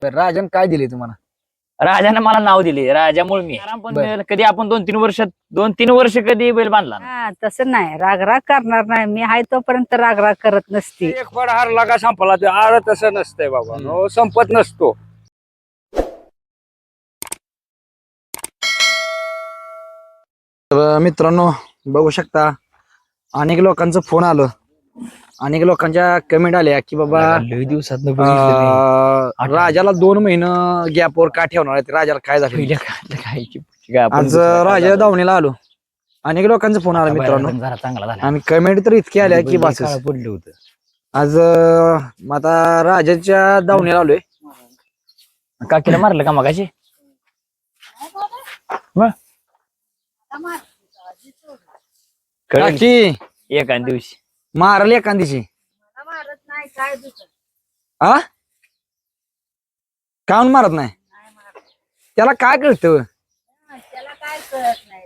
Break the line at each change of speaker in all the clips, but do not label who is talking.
राजन काय दिले तुम्हाला?
राजाने मला नाव दिले राजामुळे मी आराम पण
बर.
मिळेल. कधी आपण 2-3 वर्ष कधी बैल बांधला नाही.
हा तसं नाही, रागराग करणार नाही. मी आहे तोपर्यंत रागराग करत नसते.
एक फड हारला का संपला ते आर तसं नसतंय बाबा हो, संपत नसतो.
तर मित्रांनो बघू शकता अनेक लोकांचं फोन आलं, अनेक लोकांच्या कमेंट आल्या की बाबा
लय दिवसात
राजाला 2 महिने गॅपवर का ठेवणार आहे? राजाला काय झालं? आज राजा धावणीला आलो. अनेक लोकांचा फोन आला मित्रांनो,
जरा चांगला झाला.
आणि कमेंट तर इतकी आल्या की बस.
पडलं होतं.
आज आता राजाच्या धावणीला आलोय.
काकीला मारलं का मगाशी? कळलं
काकी
एका दिवशी
मारली एखादीची
मारत नाही काय
आ काऊन मारत नाही? त्याला काय कळतं?
त्याला काय कळत नाही.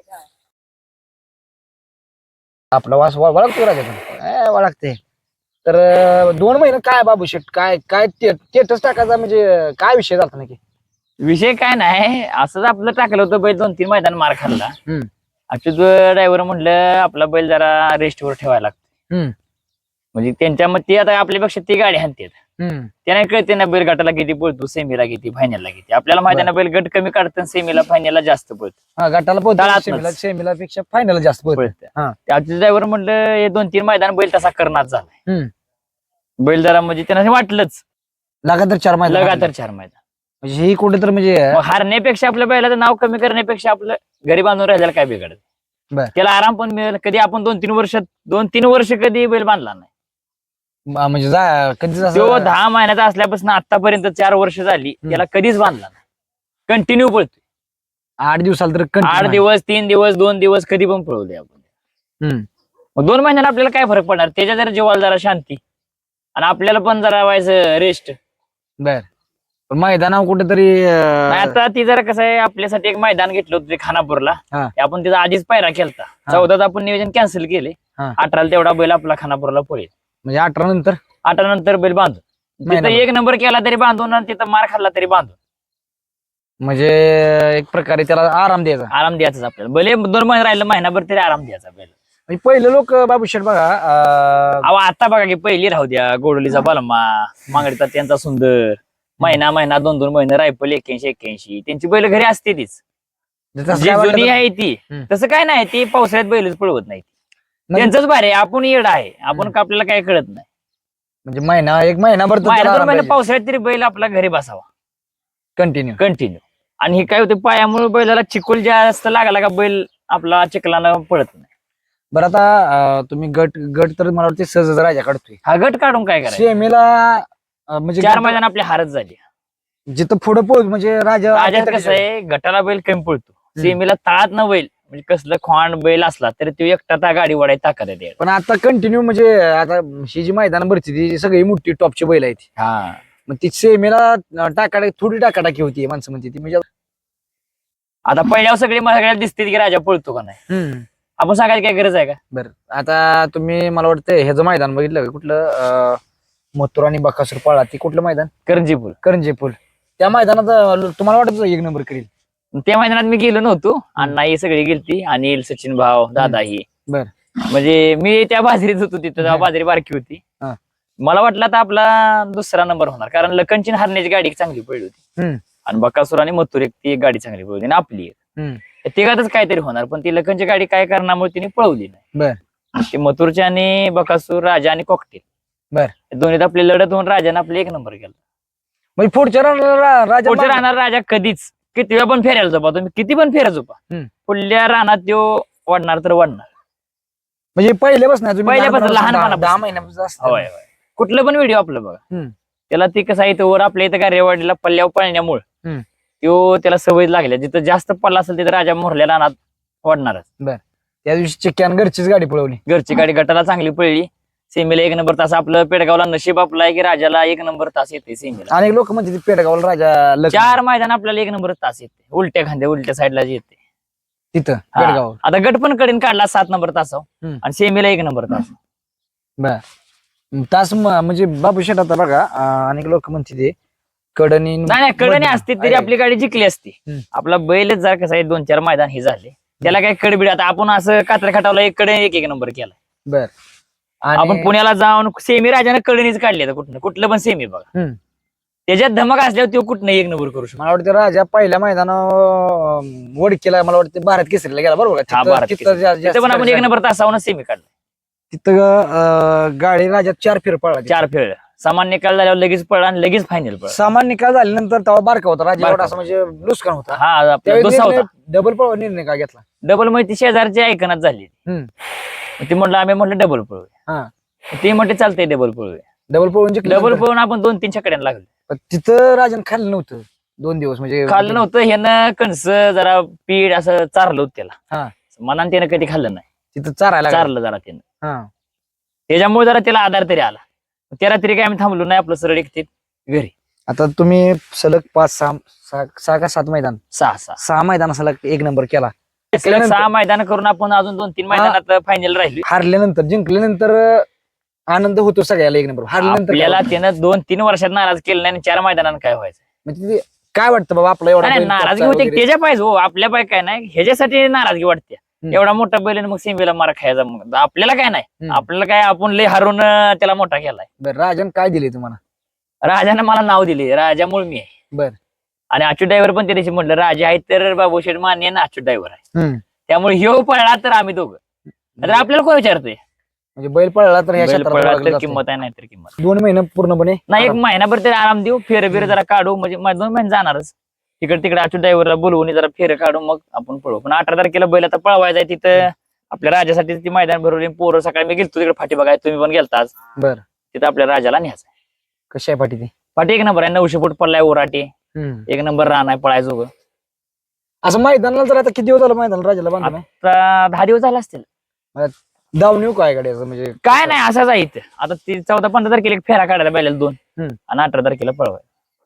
आपला वास वळखतो राजा वळखते. तर 2 महिने काय बाबू शेट, काय काय स्टेटस टाकायचा म्हणजे काय विषय झाला नक्की?
विषय काय नाही, असंच आपलं टाकलं होतं. बैल 2-3 मैदान मार खाल्ला.
हम्म.
ड्रायव्हर म्हणलं आपला बैल जरा रेस्टवर ठेवायला लागतो.
हम्म.
म्हणजे त्यांच्या मग ते आता आपल्यापेक्षा ती गाडी हाणतात. त्यांना कळते ना बैल गटाला किती पळतो, सेमीला किती, फायनलला किती. आपल्याला माहिती आहे ना बैल गट कमी काढतात, सेमीला फायनलला जास्त पळतो.
हा गटाला
दळातनंच.
पोहोचला सेमीला पेक्षा फायनल जास्त पोहोचलं. हा.
त्याचे ड्रायव्हर म्हणलं हे 2-3 मैदान बैल तसा करणार झालाय. बैल जरा म्हणजे त्यांना वाटलंच
लगातार 4 महिने
लगातार 4 मैदान.
म्हणजे ही कुठे तर म्हणजे
मग हारण्यापेक्षा आपल्या बैलाचं नाव कमी करण्यापेक्षा आपलं घरी बांधून राहिल्याला काय बिघडत.
बर.
त्याला आराम पण मिळेल. कधी आपण 2-3 वर्ष कधी बैल बांधला नाही.
म्हणजे कधी
तो 10 महिन्याचा असल्यापासून आतापर्यंत 4 वर्ष झाली त्याला कधीच बांधला नाही. कंटिन्यू पळतोय.
8 दिवसाला तर
8 दिवस, 3 दिवस, 2 दिवस कधी पण पळवले आपण. मग 2 महिन्याला आपल्याला काय फरक पडणार? त्याच्या जरा जीवाला जरा शांती आणि आपल्याला पण जरा व्हायचं रेस्ट.
बर. पण मैदानावर कुठेतरी
आता ती जरा कसं आहे, आपल्यासाठी एक मैदान घेतलं होतं ते खानापूरला.
हा.
ते आपण त्याचा आधीच पायरा केलता. 14 आपण नियोजन कॅन्सल केले.
हा.
18 तेवढा बैल आपला खानापूरला पळेल.
म्हणजे 18 नंतर
18 नंतर बैल बांधून तिथं
महिनाभर.
1 नंबर केला तरी बांधून आणि तिथं मार खाल्ला तरी बांधून
म्हणजे एक प्रकारे त्याला आराम द्यायचा.
आराम द्यायचाच आपल्याला. भले 2 महिने राहिलं, महिनाभर तरी आराम द्यायचा बैल.
म्हणजे पहिले लोक बाबू शेठ बघा
अहो आता बघा की पहिली राहू द्या, गोडोलीचा बलमा, मांगडीचा त्यांचा सुंदर, महिना 2-2 महिने रायफल 81-81 त्यांची बैल घरी असते तीच.
जसं
जी
काय वाटलं
जुनी
तर-
आहे ती तसं काय नाही. ती पावसाळ्यात बैलच पळवत नाही.
म्हणजे-
त्यांचंच भारी आहे. आपण येड आहे, आपण का आपल्याला काय कळत नाही.
म्हणजे एक महिनाभर
महिना 2 महिने पावसाळ्यात तरी बैल आपला घरी बसावा
कंटिन्यू.
कंटिन्यू. आणि हे काय होतं, पायामुळे बैलाला चिकोल जास्त लागला का बैल आपला चिखलानं पळत नाही.
बरं आता तुम्ही गट तर मला वाटतं सहज राजा काढतोय.
हा गट काढून काय करायचं?
सेमीला म्हणजे
4 मैदान आपली हारच झाली.
जिथं पुढे पोहोच म्हणजे
राजात कसं आहे, गटाला बैल कमी पळतो, सेमीला तळात न बैल म्हणजे कसलं खोंड बैल असला तरी तो एकटा त्या गाडी वडाय ताकद आहे.
पण आता कंटिन्यू म्हणजे आता ही जी मैदान भरती ती सगळी मोठी टॉपची बैल आहेत.
हा.
मग ती सेमीला थोडी टाकाटाकी होती माणसं म्हणते ती म्हणजे
आता पहिल्यावर सगळ्याला दिसते की राजा पळतो का नाही. आपण सांगायची काय गरज आहे का?
बरं. आता तुम्ही मला वाटतं ह्याचं मैदान बघितलं का कुठलं मथुर आणि बकासूर पळा, ती कुठलं मैदान?
करंजीपूर.
करंजीपूल. त्या मैदानात तुम्हाला वाटत 1 नंबर करील?
त्या मैदानात मी गेलो नव्हतो. अण्णा ही सगळी गेलती, अनिल, सचिन भाव, दादा ही.
बर.
म्हणजे मी त्या बाजरीत होतो तिथं, तेव्हा बाजरी बारकी होती.
हा.
मला वाटलं आता आपला 2रा नंबर होणार, कारण लखनची हरण्याची गाडी चांगली पडली होती आणि बकासूर आणि मथुर ती एक गाडी चांगली पळवली आणि आपली एक. तिघातच काहीतरी होणार, पण ती लखनची गाडी काय कारणामुळे तिने पळवली नाही.
बर.
ते मथुरची आणि बकासूर, राजा आणि कॉकटेल,
बर,
दोन्हीत आपली लढत होऊन राजाने आपले 1 नंबर केला.
म्हणजे पुढच्या राजा
पुढच्या राहणार राजा कधीच किती पण फेरायला झोपा, तुम्ही किती पण फेरा झोपा, पुढल्या रानात तो वाढणार तर वाढणार.
म्हणजे पहिल्यापासून
पहिल्यापासून, लहानपणापासून.
10 महिन्यापासून असतं.
होय होय. कुठलं पण व्हिडिओ आपलं बघा, त्याला ती कसं आहे, तो वर आपल्या इथं गारेवाडीला पल्ल्यावर पळण्यामुळे तो त्याला सवय लागल्या. जिथं जास्त पल्ला असेल तिथं राजा मोरल्या रानात वाढणारच.
बर. त्या दिवशी चिक्क्यान घरचीच गाडी पळवली.
घरची गाडी गटाला चांगली पळली. सेमीला 1 नंबर तास. आपलं पेडगावला नशीब आपलं आहे की राजाला 1 नंबर तास येते सेमीला.
अनेक लोक म्हणजे पेडगावला राजा
4 मैदान आपल्याला 1 नंबर तास येते, उलट्या खांद्या उलट्या साईडला येते
तिथं
हा.
पेडगाव.
आता गट पण कडीन काढला 7 नंबर तासावर आणि सेमीला 1 नंबर तास.
बर. तास म्हणजे बाबू शेठ आता बघा अनेक लोक म्हणते ते कडणी
नाही कडणी असते तरी
आहे.
आपली गाडी जिंकली असती.
हम्म.
आपला बैलच जर कसं आहे 2-4 मैदान हे झाले त्याला काय कडबिड आता आपण असं कात्र खटावला एक कडे एक नंबर केला.
बर
आपण पुण्याला जाऊन सेमी राजाने कडणीच काढली आता कुठलं पण सेमी बघा.
हम्म.
त्याच्यात धमक असल्यावर तो कुठं एक नंबर करू शकतो.
मला वाटतं राजा पहिल्या मैदानावर वडकीला मला वाटतं भारत केसरीला गेला बरोबर का?
हा,
तिथं-
भारत
तिथं जा-
तिथं पण आपण एक नंबर तासावून सेमी काढला.
तिथं गाडी राजा 4 फेर पळला.
4 फेळ सामान्य निकाल झाल्यावर लगेच पळला आणि लगेच फायनल पळला.
सामान निकाल झाल्यानंतर तेव्हा बारका होता राजा,
बारका
एवढा असं म्हणजे नुकसान होता.
हा आपला दुसरा होता.
डबल पळवा निर्णय का घेतला?
डबल मध्ये ती शेजारची ऐकनात झाली.
हम्म.
ती म्हटलं आम्ही म्हटलं डबल पळूया.
हा
ते म्हटले चालतंय डबल पळूया.
डबल पळवून जिंकलं
डबल
नंतर.
पळून आपण 2-3 छकड्यांना लागलो.
पण तिथं राजन खाल्लं नव्हतं 2 दिवस म्हणजे
खाल्लं नव्हतं ह्यानं कणस जरा पीठ असं चारलं होतं त्याला.
हा.
मनाने त्यानं कधी खाल्लं नाही.
तिथं चारायला लागलं.
चारलं जरा त्यानं.
हा.
त्याच्यामुळे जरा त्याला आधार तरी आला. त्या तरी काय आम्ही थांबलो नाही आपलं सरळ एकटे घरी.
आता तुम्ही सलग 5-6 का 7 मैदान
6
मैदान सलग एक नंबर केला.
6 मैदान करून आपण अजून 2-3 मैदानात फायनल राहिलो.
हारल्यानंतर जिंकल्यानंतर आनंद होतो सगळ्याला एक नंबर. हारल्यानंतर काय
आपल्याला
वाटतं?
त्यानं 2-3 वर्षात नाराज केलं नाही आणि 4 मैदानात काय व्हायचं.
म्हणजे ते काय वाटतं बाबा आपला एवढा
नाही,
बैल
नाराजगी
टॉपचा
होते
वगैरे?
त्याच्या पाहिजे हो, आपल्या पाय काय नाही ह्याच्यासाठी नाराजगी वाटते. एवढा मोठा बैल आणि मग सेमीला मारा खायचा. मग आपल्याला काय नाही.
हम्म.
आपल्याला काय आपण लय हरून त्याला मोठा केलाय.
बरं राजन काय दिले तुम्हाला?
राजाने मला नाव दिले राजामुळे मी आहे.
बर.
आणि अच्युत ड्रायव्हर पण त्या दिवशी म्हटलं राजा आहे तर बाबूशेठ मान्य ना अच्युत ड्रायव्हर आहे.
हम्म.
त्यामुळे ह्यो पळला तर आम्ही दोघं. तर आपल्याला कोण विचारतोय
म्हणजे बैल पळला तर ह्या
बैल
क्षेत्रात
पळला
ओळखलं
तर
जातं.
किंमत आहे नाही तर किंमत
2 महिने पूर्णपणे
नाही. एक महिनाभर तरी आराम देऊ फेर बिर जरा काढू म्हणजे 2 महिने जाणारच. तिकडे तिकडे अच्युत ड्रायव्हरला बोलवून जरा फेर काढू मग आपण पळू. पण 18 तारखेला बैल आता पळवायचा आहे तिथं आपल्या राजासाठी ती मैदान भरवली. पोरं सकाळी मी गेलतो तिकडे फाटी बघाय तुम्ही पण गेलता आज.
बर.
तिथं आपल्या राजाला न्यायचं.
कशी आहे पाठी ती?
फाटी एक नंबर आहे 900 फूट पडलाय ओराटी. एक नंबर रान आहे पळायचं.
असं मैदानाला जर आता किती दिवस झालं मैदानाला राजाला बांधून आहे?
आता 10 दिवस झाले असतील.
धावून येऊ काय गाडी असं म्हणजे
काय नाही असंच आहे इथं. आता ती 14-15 तारखेला एक फेरा काढायला बैलाला 2 आणि 18 तारखेला पळवाय.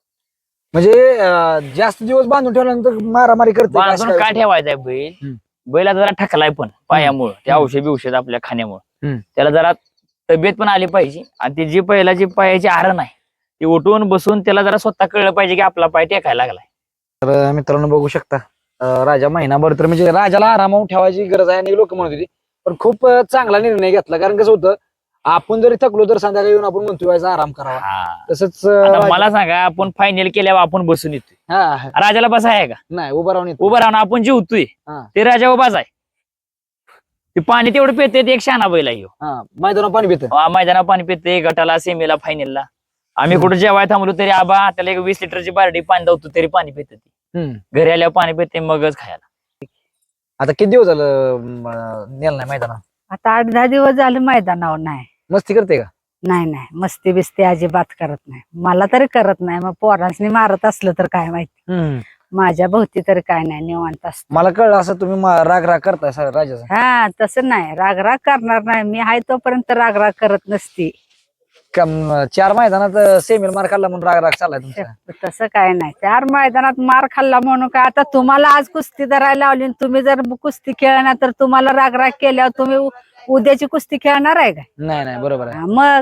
म्हणजे जास्त दिवस बांधून ठेवल्यानंतर मारामारी करते का?
बांधून
असं
काय
काय?
ठेवायचंय बैल.
हम्म.
बैला जरा ठकलाय पण पायामुळं ते औषध आपल्या खाण्यामुळं
हम्म.
त्याला जरा तब्येत पण आली पाहिजे. आणि ती जी पहिला पायाची आरण आहे ती उठून बसून त्याला जरा स्वतः कळलं पाहिजे की आपला पाय टेकायला लागलाय.
तर मित्रांनो बघू शकता राजा महिनाभर तर म्हणजे राजाला आरामावर ठेवायची गरज आहे आणि लोक म्हणत होती. पण खूप चांगला निर्णय घेतला. कारण कसं होतं आपण जरी थकलो तर संध्याकाळी येऊन आपण म्हणतो व्हायचा आराम करावा.
हा.
तसंच
आता मला सांगा आपण फायनल केल्यावर आपण बसून येतोय.
हा
राजाला बसा आहे का?
नाही उभं राहून येतो.
उभं राहून आपण जेवतोय
हा.
ते राजा उभाच आहे. ते पाणी तेवढं पिते ते एक शहाणा बैल आहे ह्यो.
हा मैदानावर पाणी पितं.
मैदानावर पाणी पिते गटाला सेमीला फायनलला. आम्ही कुठे जेवायला थांबलो तरी आबा त्याला एक 20 लिटरची बारडी पाणी धावतो तरी पाणी पिते. घरी आल्यावर पाणी पिते मगच खायला.
आता किती दिवस झालं नेलं नाही मैदानावर?
आता 8-10 दिवस झाले मैदानावर नाही.
मस्ती करते का?
नाही मस्ती बिस्ती अजिबात करत नाही. मला तरी करत नाही. मग पोरांनी मारत असलं तर काय माहिती. माझ्या भोवती तरी काय नाही निवांत असत.
मला कळलं असं तुम्ही राग करताय राजाचा.
हा तसं नाही राग करणार नाही. मी आहे तोपर्यंत राग करत नसती.
4 मैदानात सेमील मार खाल्ला म्हणून राग चाललाय तुमचा?
तसं काय नाही. 4 मैदानात मार खाल्ला म्हणून काय आता तुम्हाला आज कुस्ती धरायला लावली तुम्ही जर कुस्ती खेळणार तर तुम्हाला राग केल्यावर तुम्ही उद्याची कुस्ती खेळणार आहे का?
नाही बरोबर आहे.
मग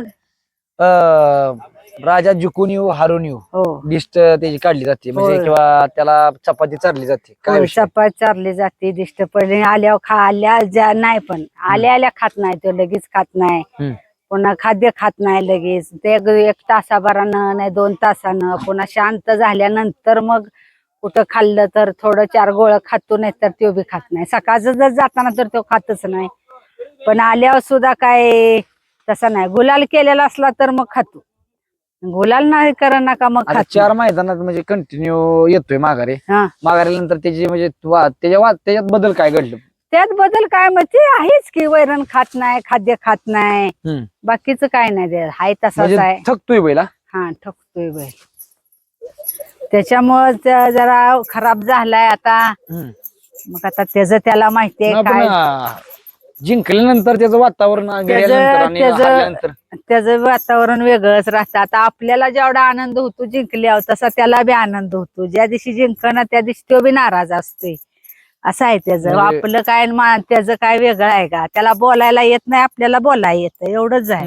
राजा जिंकून येऊ हारून येऊ
हो
दिष्ट त्याची काढली जाते म्हणजे
होय.
किंवा त्याला चपाती चारली जाते काय विषय?
चपात चारली जाते दिष्ट पडली आल्यावर आल्या नाही पण आल्या खात नाही तो लगेच खात नाही. पुन्हा खाद्य खात नाही लगेच ते 1 तासाभरानं नाही 2 तासानं पुन्हा शांत झाल्यानंतर मग कुठं खाल्लं तर थोडं 4 गोळं खातो नाही तर तो बी खात नाही. सकाळचं जर जाताना तर तो खातच नाही. पण आल्यावर सुद्धा काय तसं नाही. गुलाल केलेला असला तर मग खातो. गुलाल नाही कर नका मग
आता
खात
4 मैदानात म्हणजे कंटिन्यू येतोय माघारी.
हा.
माघारीनंतर त्याची म्हणजे त्याच्यात बदल काय घडलं?
त्यात बदल काय मग ते आहेच की वैरण खात नाही खाद्य खात नाही बाकीचं काय नाही ते हाय तसाच
म्हणजे
आहे.
थकतोय बैला.
हा ठकतोय बैल त्याच्यामुळे जरा खराब झालाय आता. मग आता त्याचं त्याला माहितीये काय
जिंकल्यानंतर त्याचं वातावरण गेल्यानंतर आणि हारल्यानंतर
त्याचं वातावरण वेगळंच राहतं. आता आपल्याला जेवढा आनंद होतो जिंकल्यावर तसा त्याला बी आनंद होतो. ज्या दिवशी जिंकणं त्या दिवशी तो बी नाराज असतोय. असं आहे त्याचं.
म्हणजे-
आपलं काय त्याचं काय वेगळं आहे का? त्याला बोलायला येत नाही आपल्याला बोलायला येतं एवढंच आहे.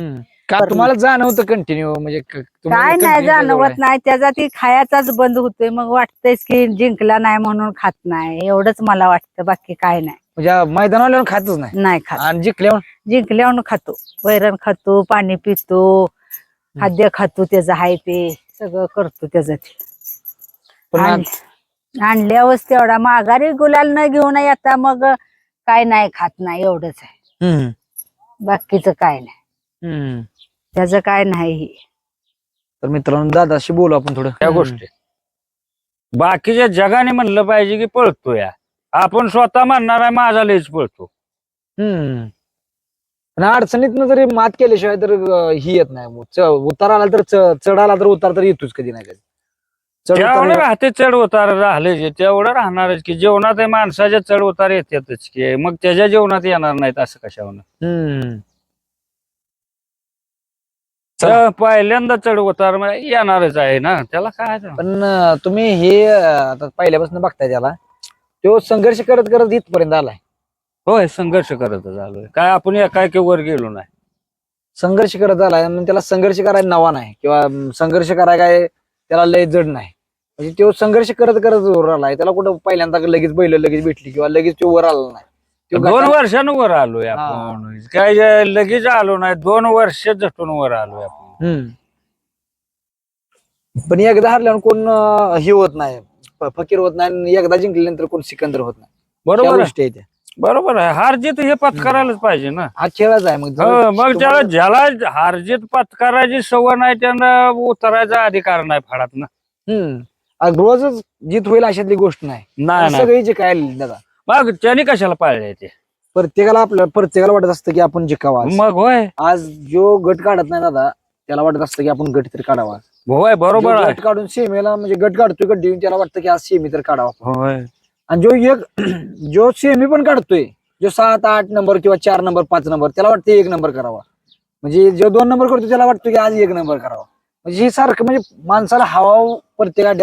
का तुम्हाला जाणवतं कंटिन्यू म्हणजे तुम्हाला
काय नाही
continue त्याजवळ
जाणवत
आहे?
नाही, त्याचा ती खायाचाच बंद होतोय. मग वाटतंयच की जिंकला नाही म्हणून खात नाही, एवढंच मला वाटतं, बाकी काय नाही.
म्हणजे मैदानावर खातच नाही
नाही खात.
आणि जिंकल्यावर
जिंकल्यावर खातो, वैरण खातो, पाणी पितो, खाद्य खातो, त्याचं आहे ते सगळं करतो त्याचं ते.
पण
आणल्यावरच तेवढा माघारी गुलाल न घेऊन आता मग काय नाही खात नाही, एवढंच आहे.
हम्म,
बाकीचं काय नाही,
हम्म.
त्याचं काय नाही.
तर मित्रांनो दादाशी बोलू आपण थोडं
त्या गोष्टी बाकीच्या जगाने म्हणलं पाहिजे की पळतो या, आपण स्वतः म्हणणार आहे माझा लयच पळतो.
हम्म. पण अडचणीतनं जरी मात केल्याशिवाय तर ही येत नाही. उतार आला तर चढ आला तर उतार तर येतोच कधी नाही कधी. चढ
तेवढं
उतार
राहते चढ उतार राहिले जे तेवढं राहणारच की जीवनात हे माणसाच्या चढ उतार येतातच की, मग त्याच्या जीवनात येणार नाहीत असं कशावर.
हम्म.
पहिल्यांदा चढ उतार येणारच आहे ना, त्याला काय ते.
पण तुम्ही हे आता पहिल्यापासून बघताय त्याला, तो संघर्ष करत करत इथपर्यंत आलाय.
होय, संघर्ष करत झालोय, काय आपण एकाएकी वर गेलो नाही.
संघर्ष करत आलाय म्हणजे त्याला संघर्ष करायला नवा नाही किंवा संघर्ष करायला काय त्याला लय जड नाही. म्हणजे तो संघर्ष करत करत वर आलाय. त्याला कुठं पहिल्यांदा लगेच बैल लगेच भेटली किंवा लगेच तो वर आला नाही. तो
2
गटात-
वर्षानं वर आलोय आपण, काय लगेच आलो नाही, 2 वर्ष झटून वर आलोय आपण.
हम्म. पण एकदा हरल्यावर कोण हे होत नाही, फकीर होत नाही आणि एकदा जिंकल्यानंतर कोण सिकंदर होत नाही. त्या
बरोबर आहे,
गोष्टी आहेत त्या.
बरोबर आहे. हारजीत हे पत्करायलाच पाहिजे ना.
हा खेळच आहे. मग
हो, मग त्याला ज्याला हारजीत पत्करायची सवय नाही त्यानं उतरायचा अधिकार नाही फळात ना.
रोजच जीत होईल अशातली गोष्ट नाही.
नाही नाही,
सगळी जे काय दादा
मग त्याने कशाला पाळले ते.
प्रत्येकाला वाटत असतं की आपण जिंकावा आज.
मग होय
आज जो गट काढत नाही दादा त्याला वाटत असतं की आपण गट तरी काढावा.
होय, बरोबर
जो
आहे.
गट काढून सेमीला म्हणजे गट काढतोय गट देऊन त्याला वाटतं की आज सेमी तर काढावा.
होय,
आणि जो सेमी पण काढतोय, जो 7-8 नंबर किंवा 4 नंबर 5 नंबर त्याला वाटतं 1 नंबर करावा. म्हणजे जो 2 नंबर करतो त्याला वाटतं की आज 1 नंबर करावा. म्हणजे हे सारखं म्हणजे माणसाला हवा प्रत्येक अड्ड्यात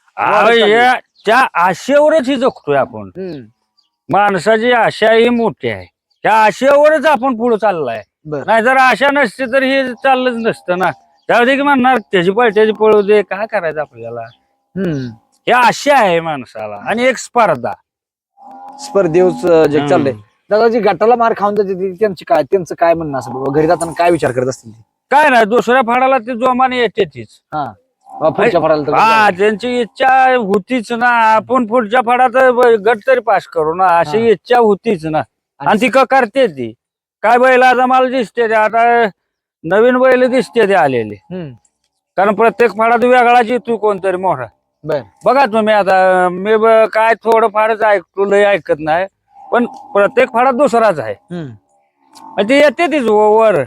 त्या आशेवरच ही जगतोय आपण. माणसाची आशा ही मोठी आहे, त्या आशेवरच आपण पुढे चाललाय.
बरं.
नाही जर आशा नसते तर हे चाललंच नसतं ना. त्यामध्ये की म्हणणार त्याची पळत्याची पळू दे, काय करायचं आपल्याला. हे आशा आहे माणसाला आणि एक स्पर्धा.
स्पर्धेच जग चाललंय. दादाजी गटाला मार खाऊन जाते त्यांचं काय म्हणणं असं बाबा घरी जाताना काय विचार करत असतील ते?
काय नाही, दुसऱ्या फाडाला ते जोमाने येते तीच.
पुढच्या फळाला तर
हा, त्यांची इच्छा होतीच ना, आपण पुढच्या फाडात गट तरी पास करू ना, अशी इच्छा होतीच ना. आणि ती करते ती. काय बैल आता मला दिसते ते, आता नवीन बैल दिसते ते आलेले. कारण प्रत्येक फाडात वेगळाच येतो कोणतरी मोठा.
बर.
बघा तुम्ही आता मी काय थोडं फारच ऐकतो, लय ऐकत नाही, पण प्रत्येक फाडात दुसराच आहे. आणि ते येते तीच वर.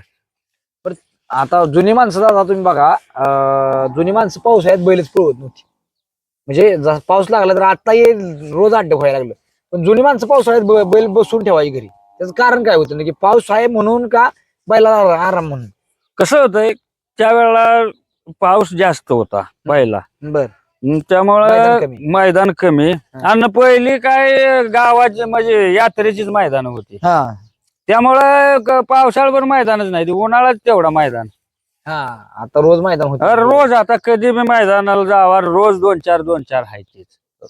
आता जुनी माणसं दादा तुम्ही बघा, जुनी माणसं पावसाळ्यात बैलच पळवत नव्हती. म्हणजे पाऊस लागला तर आता रोज अड्डे व्हायला लागलं. पण जुनी माणसं पावसाळ्यात बैल बसून ठेवायची घरी. त्याचं कारण काय होतं ना की पाऊस आहे म्हणून का बैलाला आराम म्हणून?
कसं होतंय, त्यावेळेला पाऊस जास्त होता पहिला.
बर.
त्यामुळं मैदान कमी. आणि पहिली काय गावाची म्हणजे यात्रेचीच मैदान होती. त्यामुळं पावसाळ्यावर मैदानच नाही, उन्हाळ्यात तेवढा मैदान.
आता रोज मैदान होत.
रोज आता कधी बी मैदानाला जावा, रोज 2-4 हायचीच.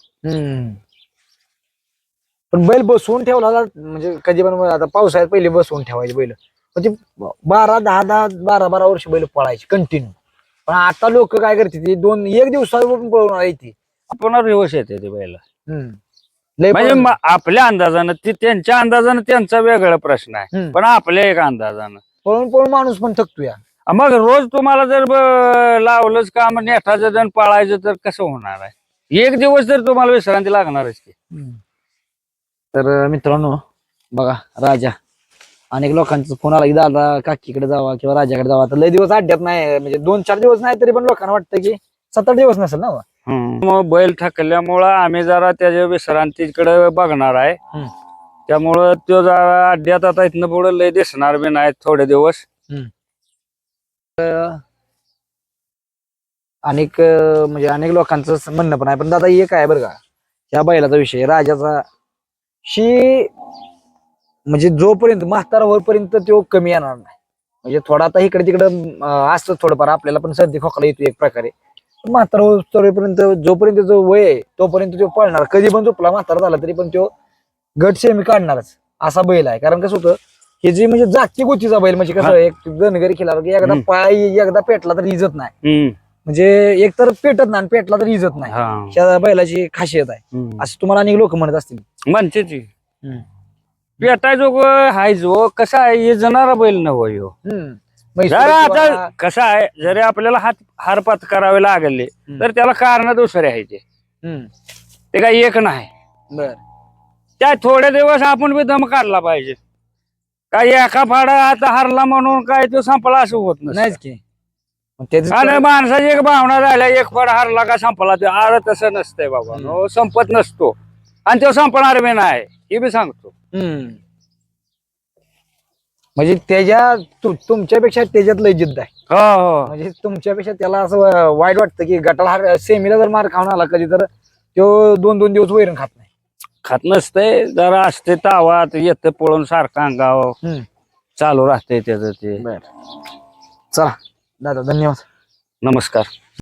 पण बैल बसवून ठेवला म्हणजे कधी पण आता पावसाळ्यात पहिले बसवून ठेवायचे बैल, म्हणजे 12 वर्ष बैल पळायचे कंटिन्यू. पण आता लोक काय करते एक दिवसावर पण पळवणार आहे ती
पुन्हा रिवर्स येते ते बैल.
लय
म्हणजे आपल्या अंदाजानं ती त्यांच्या अंदाजानं त्यांचा वेगळा प्रश्न आहे, पण आपल्या एक अंदाजानं
पळून माणूस पण थकतो या.
मग रोज तुम्हाला जर लावलंच काम नेटाचं जण पाळायचं तर कसं होणार आहे. एक दिवस तर तुम्हाला विश्रांती लागणारच की.
तर मित्रांनो बघा राजा, अनेक लोकांचा फोन आला की दादा काकीकडे जावा किंवा राजाकडे जावा. तर लय दिवस अड्ड्यात नाही, म्हणजे 2-4 दिवस नाही तरी पण लोकांना वाटतं की 7-8 दिवस नसेल ना.
मग बैल थकल्यामुळं आम्ही जरा त्याच्या विश्रांतीकडे बघणार आहे. त्यामुळं तो जरा अड्ड्यात आता इथनं पुढे लय दिसणार बी नाही थोडे दिवस.
अनेक लोकांचं म्हणणं पण आहे. पण दादा एक आहे बरं का, ह्या बैलाचा विषय राजाचा म्हणजे जोपर्यंत म्हातारा होईपर्यंत तो कमी येणार नाही. म्हणजे थोडा आता इकडे तिकडे असतं थोडंफार आपल्याला पण सर्दी खोकला येतो एक प्रकारे. म्हातारा होईपर्यंत जोपर्यंत जो वय आहे तोपर्यंत तो पळणार. कधी पण झोपला म्हातारा झाला तरी पण तो गट सेमी काढणारच असा बैल आहे. कारण कसं होतं हे जे म्हणजे जागतिक गोष्टीचा बैल म्हणजे कसं एक धनगरी खेळला की एकदा पाय एकदा पेटला तर इजत नाही. म्हणजे एक तर पेटत नाही आणि पेटला तर इजत नाही. त्या बैलाची खासियत आहे असं तुम्हाला अनेक लोक म्हणत असतील.
म्हणते ती पेटाय जो हाय जो कसा आहे हे जनारा बैल नव ह्यो. जरा आता कसं आहे जरी आपल्याला हारपात करावे लागले तर त्याला कारण दुसरे आहे ते काही एक नाही.
बर
त्या थोडे दिवस आपण बी दम काढला पाहिजे. काय एका फाडा आता हारला म्हणून काय तो संपला असं होत
नाहीच की.
आणि माणसाची एक भावना झाल्या एक फाडा हारला का संपला ते आर तसं नसतंय बाबा. संपत नसतो आणि तो संपणार बी नाही हे बी सांगतो.
म्हणजे त्याच्या तुमच्यापेक्षा त्याच्यात लय जिद्द आहे.
हो
म्हणजे तुमच्यापेक्षा त्याला असं वाईट वाटतं की गटाला सेमीला जर मार खाऊन आला कधी तर तो 2-2 दिवस वैरण खात नाही.
खात नसतंय जरा असते तावात येतं पळून सारखं अंगावर चालू राहते त्याचं ते.
चला दादा धन्यवाद.
नमस्कार.